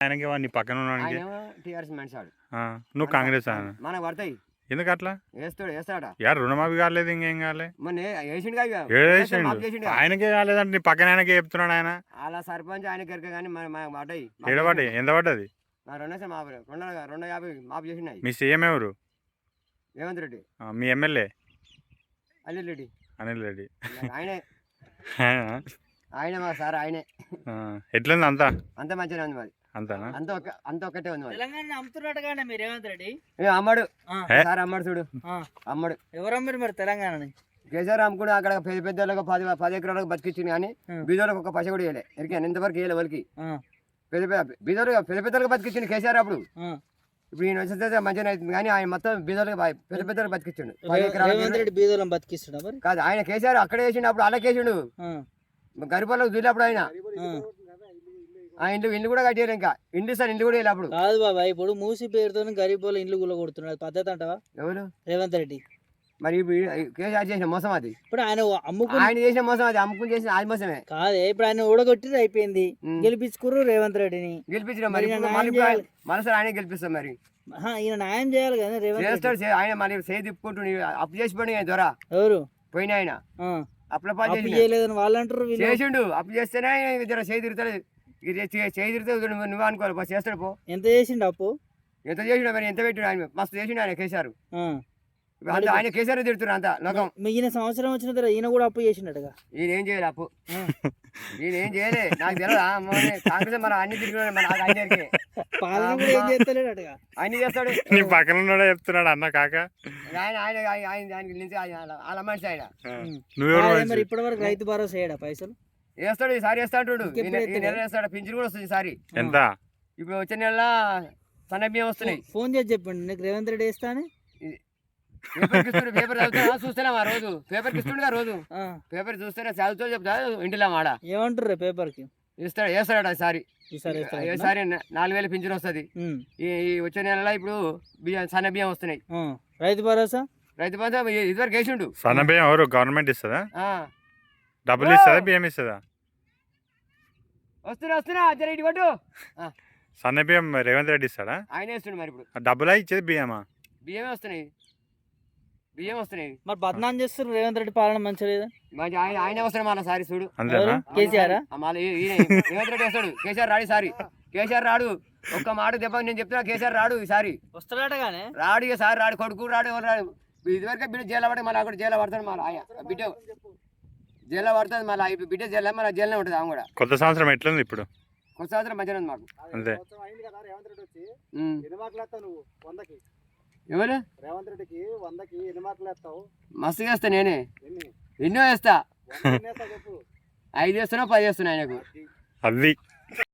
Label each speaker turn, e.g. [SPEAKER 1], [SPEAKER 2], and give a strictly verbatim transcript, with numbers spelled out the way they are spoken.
[SPEAKER 1] ఆయనకి నీ పక్కన ఉన్నానికి
[SPEAKER 2] టీఆర్ఎస్ మనిషాడు
[SPEAKER 1] నువ్వు కాంగ్రెస్
[SPEAKER 2] మనకు పడతాయి
[SPEAKER 1] ఎందుకు అట్లా
[SPEAKER 2] వేస్తాడు వేస్తాడా
[SPEAKER 1] యారు రుణమాఫీ కాలేదు ఇంకేం కాలే
[SPEAKER 2] మొన్న వేసిండు
[SPEAKER 1] ఆయనకే కాలేదంటే నీ పక్కన ఆయనకే చెప్తున్నాడు ఆయన
[SPEAKER 2] అలా సర్పంచ్ ఆయన కనుక కానీ పడ్డాయి
[SPEAKER 1] ఏడ పడ్డాయి ఎంత పడ్డది
[SPEAKER 2] రెండు మాపు రెండు రెండు యాభై మాపు చేసినాయి
[SPEAKER 1] మీ సీఎం ఎవరు
[SPEAKER 2] రేవంత్ రెడ్డి
[SPEAKER 1] మీ ఎమ్మెల్యే
[SPEAKER 2] అనిల్ రెడ్డి
[SPEAKER 1] అనిల్ రెడ్డి
[SPEAKER 2] ఆయనే ఆయన మా సార్ ఆయనే
[SPEAKER 1] ఎట్లుంది అంతా
[SPEAKER 2] అంత మంచిగా ఉంది మరి
[SPEAKER 1] అంతనా
[SPEAKER 2] అంత ఒక అంత ఒక్కటే ఉంది
[SPEAKER 3] తెలంగాణ అమ్ముతున్నట్టుగానే మీరు రేవంత్ రెడ్డి
[SPEAKER 2] అమ్మడు సార్ అమ్మడు చూడు అమ్మడు
[SPEAKER 3] ఎవరు అమ్మారు మరి తెలంగాణని
[SPEAKER 2] కేసీఆర్ అమ్ముకుని అక్కడ పెద్ద పెద్దలకు పది పది ఎకరాలకు బతికిచ్చింది కానీ బీదోళ్ళకి ఒక పైస కూడా వేయలే ఎరికాను ఇంతవరకు వేయలే వాళ్ళకి పెద్ద పెద్ద బీదోలు పెద్ద పెద్దలకు బతికిచ్చింది కేసీఆర్ అప్పుడు ఇప్పుడు ఈయన వచ్చేస్తే మంచిగా అవుతుంది కానీ ఆయన మొత్తం బీదోళ్ళకి పెద్ద పెద్దలకు బతికిచ్చిండు పది ఎకరాలు
[SPEAKER 3] బీదోళ్ళని బతికిస్తున్నా
[SPEAKER 2] కాదు ఆయన కేసీఆర్ అక్కడే వేసిండు అప్పుడు అలా కేసిండు గరిపాలకు దూరినప్పుడు ఆయన ఆ ఇండ్లు ఇల్లు కూడా కట్టారు ఇంకా ఇండ్లు సార్ ఇండ్లు కూడా వెళ్ళి అప్పుడు
[SPEAKER 3] కాదు బాబా ఇప్పుడు మూసి పేరుతో గరీబ్ వాళ్ళ ఇండ్లు గుల్ల కొడుతున్నాడు పద్ధతి అంటావా
[SPEAKER 2] ఎవరు
[SPEAKER 3] రేవంత్ రెడ్డి
[SPEAKER 2] మరి కేసీఆర్ చేసిన మోసం అది
[SPEAKER 3] ఇప్పుడు ఆయన అమ్ముకు
[SPEAKER 2] ఆయన చేసిన మోసం అది అమ్ముకుని చేసిన అది మోసమే
[SPEAKER 3] కాదే ఇప్పుడు ఆయన ఊడగొట్టి అయిపోయింది గెలిపించుకుర్రు రేవంత్ రెడ్డిని
[SPEAKER 2] గెలిపించిన మరి మనసారి ఆయన గెలిపిస్తాం మరి
[SPEAKER 3] ఈయన న్యాయం చేయాలి కదా రేవంత్
[SPEAKER 2] చేస్తాడు ఆయన మళ్ళీ చేయి తిప్పుకుంటూ అప్పు చేసి పోయి ఆయన ద్వారా
[SPEAKER 3] ఎవరు
[SPEAKER 2] పోయిన ఆయన అప్పుల పాలు
[SPEAKER 3] చేయలేదని వాళ్ళు అంటారు
[SPEAKER 2] చేసిండు అప్పు చేస్తేనే జర చేయి తిరుగుతాడు చేయి తిరుగుతాడు నువ్వు అనుకోవాలి బస్ చేస్తాడు పో
[SPEAKER 3] ఎంత చేసిండు అప్పు
[SPEAKER 2] ఎంత చేసిండు మరి ఎంత పెట్టిండు ఆయన మస్తు చేసిండు ఆయన కేసీఆర్ ఆయన కేసీఆర్ తిడుతున్నారు అంత లోకం
[SPEAKER 3] ఈయన సంవత్సరం వచ్చిన తర్వాత ఈయన కూడా అప్పు చేసిండగా
[SPEAKER 2] ఈయన ఏం చేయాలి అప్పు ఈయన ఏం చేయలే నాకు తెలియదా కాంగ్రెస్ మన అన్ని తిరిగి మన ఆయనకి అన్ని చేస్తాడు
[SPEAKER 1] నీ పక్కన ఉన్నాడే చెప్తున్నాడు అన్న కాక
[SPEAKER 2] ఆయన ఆయన ఆయన దానికి నుంచి వాళ్ళ మనిషి ఆయన
[SPEAKER 3] మరి ఇప్పటి వరకు రైతు భరోసా వేయడా పైసలు
[SPEAKER 2] వేస్తాడు ఈసారి వేస్తా అంటాడు ఈ నెల వేస్తాడు పింఛన్ కూడా వస్తుంది ఈసారి
[SPEAKER 1] ఎంత
[SPEAKER 2] ఇప్పుడు వచ్చే నెల సన్న బియ్యం వస్తున్నాయి
[SPEAKER 3] ఫోన్ చేసి చెప్పండి నీకు రేవంత్ రెడ్డి వేస్తానే
[SPEAKER 2] పేపర్ ఇస్తుండే పేపర్ చదువుతా చూస్తలేం ఆ రోజు పేపర్ ఇస్తుండగా రోజు పేపర్ చూస్తేనే చదువుతూ చెప్తా ఇంటిలో మాడ
[SPEAKER 3] ఏమంటారు పేపర్ కి
[SPEAKER 2] ఇస్తాడు వేస్తాడు ఈసారి ఈసారి నాలుగు వేలు పింఛన్ వస్తుంది ఈ వచ్చే నెలలో ఇప్పుడు బియ్యం సన్న బియ్యం వస్తున్నాయి
[SPEAKER 3] రైతు భరోసా
[SPEAKER 2] రైతు భరోసా ఇదివరకు వేసిండు
[SPEAKER 1] సన్న బియ్యం ఎవరు గవర్నమెంట్ ఇస్తుందా డబ్బులు ఇస్తుందా బియ్యం ఇస్తుందా
[SPEAKER 2] వస్తున్నా వస్తున్నా జర ఇటు కొట్టు
[SPEAKER 1] సన్న బియ్యం రేవంత్ రెడ్డి ఇస్తాడా
[SPEAKER 2] ఆయన వేస్తుండు మరి ఇప్పుడు
[SPEAKER 1] డబ్బులా ఇచ్చేది బియ్యమా
[SPEAKER 2] బియ్యమే వస్తున్నాయి బియ్యం వస్తున్నాయి
[SPEAKER 3] మరి బద్నాం చేస్తున్నారు రేవంత్ రెడ్డి పాలన మంచి లేదా
[SPEAKER 2] మంచి ఆయన ఆయన వస్తున్నాడు మన సారి చూడు
[SPEAKER 3] కేసీఆర్
[SPEAKER 2] రేవంత్ రెడ్డి వస్తాడు కేసీఆర్ రాడు సారి కేసీఆర్ రాడు ఒక్క మాట దెబ్బ నేను చెప్తున్నా కేసీఆర్ రాడు ఈసారి
[SPEAKER 3] వస్తాడగానే
[SPEAKER 2] రాడు ఇక సారి రాడు కొడుకు రాడు ఎవరు రాడు ఇదివరకే బిడ్డ జైల్లో పడి మళ్ళీ అక్కడ జైల్లో పడతాడు మళ్ళీ బిడ్డ జైల్లో పడుతుంది మళ్ళీ ఇప్పుడు బిడ్డ జైల్లో మళ్ళీ జైల్లో ఉంటుంది ఆమె కూడా
[SPEAKER 1] కొత్త సంవత్సరం ఎట్లుంది ఇప్పుడు
[SPEAKER 2] కొత్త సంవత్సరం మంచిగా ఉంది మాకు
[SPEAKER 1] అంతే
[SPEAKER 2] ఎవరు
[SPEAKER 4] రేవంత్ రెడ్డికి వందకి ఎన్ని మార్కులు వేస్తావు
[SPEAKER 2] మస్తు వేస్తా నేనే ఎన్నో వేస్తా ఐదు వేస్తున్నా పది వేస్తున్నా ఆయనకు
[SPEAKER 1] అది